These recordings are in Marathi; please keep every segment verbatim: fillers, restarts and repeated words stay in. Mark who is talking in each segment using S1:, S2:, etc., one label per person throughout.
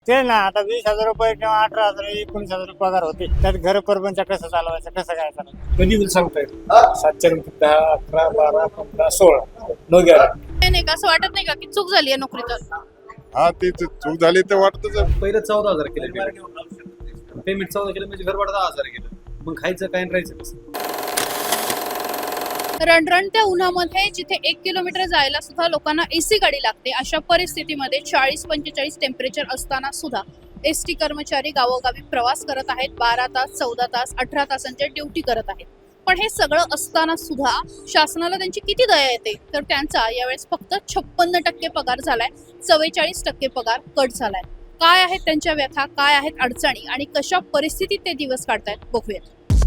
S1: ते ना आता वीस हजार रुपये किंवा अठरा हजार एकोणीस हजार रुपये पगार होते. त्यात घर परपंच कसं चालवायचं, कसं काय चालवायचं
S2: कधी होईल सांगता येईल. सातच्या नंतर दहा अकरा बारा पंधरा सोळा नो गॅरंटी.
S3: नाही का असं वाटत नाही का की चूक झाली आहे नोकरीत?
S4: हा ते ते चूक झाली ते वाटतच आहे.
S2: पहिलं चौदा हजार केलं पेमेंट पेमेंट चौदा केलं म्हणजे घर भाडं दहा हजार गेलं. मग खायचं काय आणि राहायचं कसं?
S3: रणरणत्या उन्हामध्ये जिथे एक किलोमीटर जायला सुद्धा लोकांना एसी गाडी लागते, अशा परिस्थितीमध्ये चाळीस पंचेचाळीस टेम्परेचर असताना सुद्धा एस टी कर्मचारी गावोगावी प्रवास करत आहेत. बारा तास चौदा तास अठरा तासांच्या ड्युटी करत आहेत. पण हे सगळं असताना सुद्धा शासनाला त्यांची किती दया येते, तर त्यांचा यावेळेस फक्त छप्पन्न टक्के पगार झालाय, चव्वेचाळीस टक्के पगार कट झालाय. काय आहेत त्यांच्या व्यथा, काय आहेत अडचणी आणि कशा परिस्थितीत ते दिवस काढतायत बघूयात.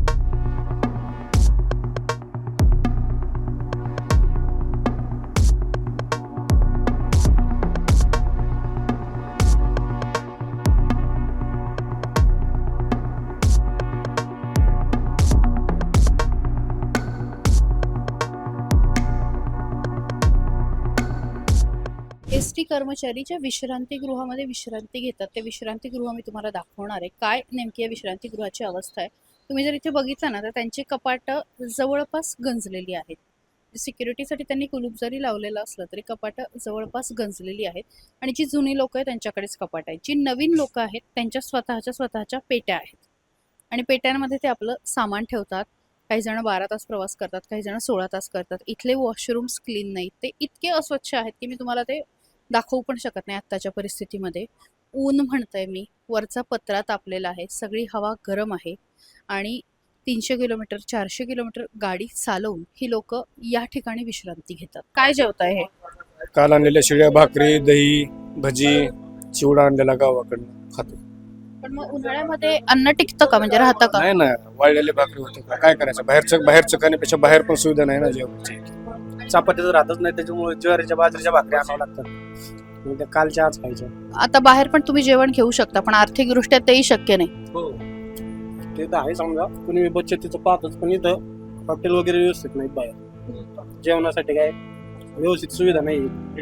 S3: एस टी कर्मचारी ज्या विश्रांतीगृहामध्ये विश्रांती घेतात, ते विश्रांतीगृह मी तुम्हाला दाखवणार आहे. काय नेमकी या विश्रांतीगृहाची अवस्था आहे तुम्ही जर इथे बघितलं ना, तर त्यांची कपाटं जवळपास गंजलेली आहेत. सिक्युरिटीसाठी त्यांनी कुलूप जरी लावलेलं असलं तरी कपाटं जवळपास गंजलेली आहेत. आणि जी जुनी लोकं आहेत त्यांच्याकडेच कपाट आहेत. जी नवीन लोकं आहेत त्यांच्या स्वतःच्या स्वतःच्या पेट्या आहेत आणि पेट्यांमध्ये ते आपलं सामान ठेवतात. काही जण बारा तास प्रवास करतात, काही जण सोळा तास करतात. इथले वॉशरूम्स क्लीन नाहीत, ते इतके अस्वच्छ आहेत की मी तुम्हाला ते दाखवू पण शकत नाही आत्ताच्या परिस्थितीमध्ये. ऊन म्हणतंय मी, वरचा पत्रा तापलेला आहे, सगळी हवा गरम आहे आणि तीनशे किलोमीटर चारशे किलोमीटर गाडी चालवून ही लोक या ठिकाणी विश्रांती घेतात. काय जेवताय हे?
S2: काल आणलेल्या शिळ्या भाकरी, दही, भजी, चिवडा आणलेला गावाकडनं खातो.
S3: पण मग उन्हाळ्यामध्ये अन्न टिकतं का, म्हणजे राहतं का?
S2: नाही ना, वाळलेले भाकरी होते का, काय करायचं? बाहेरचं बाहेरचं खाण्यापेक्षा बाहेर पण सुविधा नाही ना जेवणाची. चपात्याचं राहतच नाही, त्याच्यामुळे ज्वारीच्या बाजरीच्या भाकरी आणावं लागतात. त्या कालच्या आज खायच्या.
S3: आता बाहेर पण तुम्ही जेवण घेऊ शकता, पण आर्थिकदृष्ट्या तेही शक्य नाही.
S2: हो ते तर आहे समजा, कुणी बचतीचं पाहतच, पण इथं हॉटेल वगैरे व्यवस्थित नाहीत बाहेर. जेवणासाठी काय व्यवस्थित सुविधा नाही.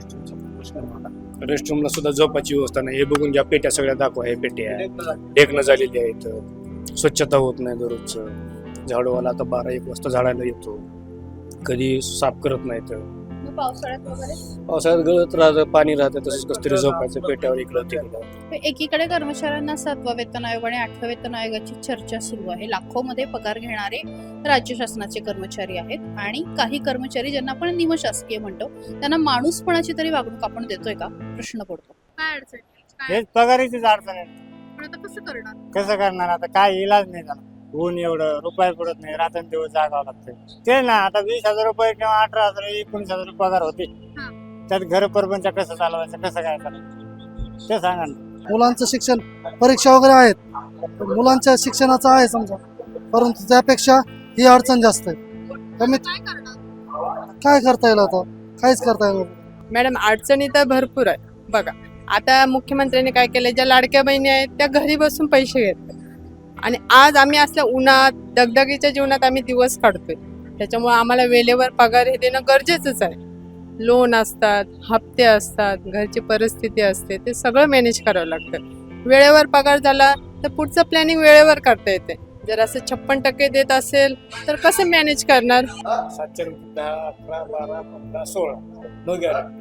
S2: रेस्टरूमला सुद्धा झोपाची व्यवस्था नाही. हे बघून घ्या, पेट्या सगळ्या दाखवा. हे पेट्या ढेकणं झालेली आहेत, स्वच्छता होत नाही दररोजचं. झाडूवाला आता बारा एक वाजता झाडायला येतो, कधी साफ करत नाहीत.
S3: मग पावसाळ्यात वगैरे
S2: पावसाळ्यात गळत राहतं, पाणी राहतं, तसंच कसं तरी झोपायचं पेट्यावर इकडं तिकडं.
S3: एकीकडे कर्मचाऱ्यांना सातवा वेतन आयोग आणि आठव्या वेतन आयोगाची चर्चा सुरू आहे. लाखो मध्ये पगार घेणारे राज्य शासनाचे कर्मचारी आहेत आणि काही कर्मचारी ज्यांना आपण निमशासकीय म्हणतो, त्यांना माणूसपणाची तरी वागणूक आपण देतोय का, प्रश्न पडतो. काय अडचण काय?
S1: हेच पगारीचीच अडचण आहे.
S3: पण आता कसं करणार?
S1: कसं करणार आता, काय इलाज नाही झाला. ऊन एवढं रुपये पडत नाही, रात्रंदिवस जागावं लागतं. ते ना आता वीस हजार रुपये किंवा अठरा हजार एकोणीस हजार रुपये पगार होते. त्यात घर परपंच कसं चालवायचं, कसं काय चालवायचं ते सांगा ना.
S5: मुलांचं शिक्षण, परीक्षा वगैरे आहेत, मुलांच्या शिक्षणाचं आहे समजा, परंतु त्यापेक्षा ही अडचण जास्त आहे. कमीत
S3: काय करणार?
S5: काय करता येईल आता, काहीच करता येईल.
S6: मॅडम अडचणी तर भरपूर आहे. बघा आता मुख्यमंत्र्यांनी काय केलं, ज्या लाडक्या बहिणी आहेत त्या घरी बसून पैसे घेतात आणि आज आम्ही असल्या उन्हात दगदगीच्या जीवनात आम्ही दिवस काढतोय. त्याच्यामुळे आम्हाला वेळेवर पगार हे देणं गरजेचंच आहे. लोन असतात, हप्ते असतात, घरची परिस्थिती असते, ते सगळं मॅनेज करावं लागतं. वेळेवर पगार झाला तर पुढचं प्लॅनिंग वेळेवर करता येते. जर असं छप्पन टक्के देत असेल तर कसं मॅनेज करणार?
S2: सातच्या नंतर दहा अकरा बारा पंधरा सोळा नो गॅरंटी.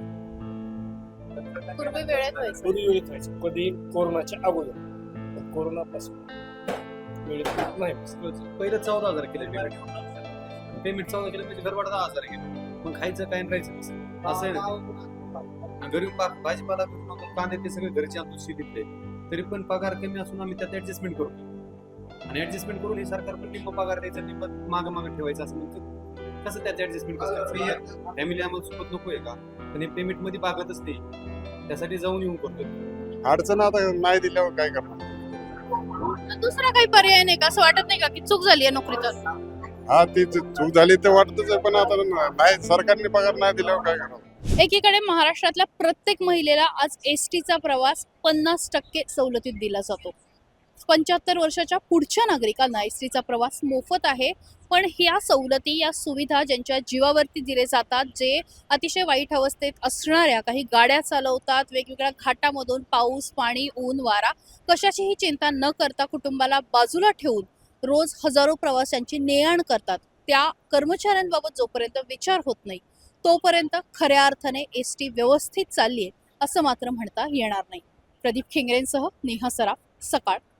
S3: पूर्वी वेळेत व्हायचं.
S2: कधी वेळेत व्हायचं, कधी कोरोनाच्या अगोदर, कोरोनापासून वेळेत नाही. पहिलं चौदा हजार केलं पेमेंट पेमेंट चौदा केलं म्हणजे घर भाडं दहा हजार गेलं. मग खायचं काय आणि राहायचं कसं? असं आहे ना. घरी भाजीपाला कांदे ते सगळे घरचे आणतो शेतीतले, तरी पण पगार कमी असून आम्ही त्यात ऍडजस्टमेंट करतो आणि ऍडजस्टमेंट करून हे सरकार पण निम्म पगार द्यायचा, निम्म मागं मागं ठेवायचं असं म्हणतो. कसं त्यात ऍडजस्टमेंट कसं? फॅमिली आम्हाला सोबत नको आहे का? पण हे पेमेंट मध्ये भागतच नाही, त्यासाठी जाऊन येऊन करतो.
S4: अडचण आता नाही दिल्यावर काय करणार.
S3: दुसरा काही पर्याय नाही का, असं वाटत नाही का की चूक झाली आहे नोकरीत?
S4: हा ती चूक झाली ते वाटतच आहे, पण आता नाही, सरकारने पगार नाही दिल्यावर काय करणार.
S3: एकीकडे महाराष्ट्रातल्या प्रत्येक महिलेला आज एस टीचा प्रवास पन्नास टक्के सवलतीत दिला जातो. पंच्याहत्तर वर्षाच्या पुढच्या नागरिकांना एस टीचा प्रवास मोफत आहे. पण ह्या सवलती, या सुविधा ज्यांच्या जीवावरती दिले जातात, जे अतिशय वाईट अवस्थेत असणाऱ्या काही गाड्या चालवतात, वेगवेगळ्या घाटामधून पाऊस, पाणी, ऊन, वारा कशाचीही चिंता न करता कुटुंबाला बाजूला ठेवून रोज हजारो प्रवाशांची ने-आण करतात, त्या कर्मचाऱ्यांबाबत जोपर्यंत विचार होत नाही तोपर्यंत खऱ्या अर्थाने एस टी व्यवस्थित चालली आहे असं मात्र म्हणता येणार नाही. प्रदीप खिंगरेंसह नेहा सराफ, सकाळ.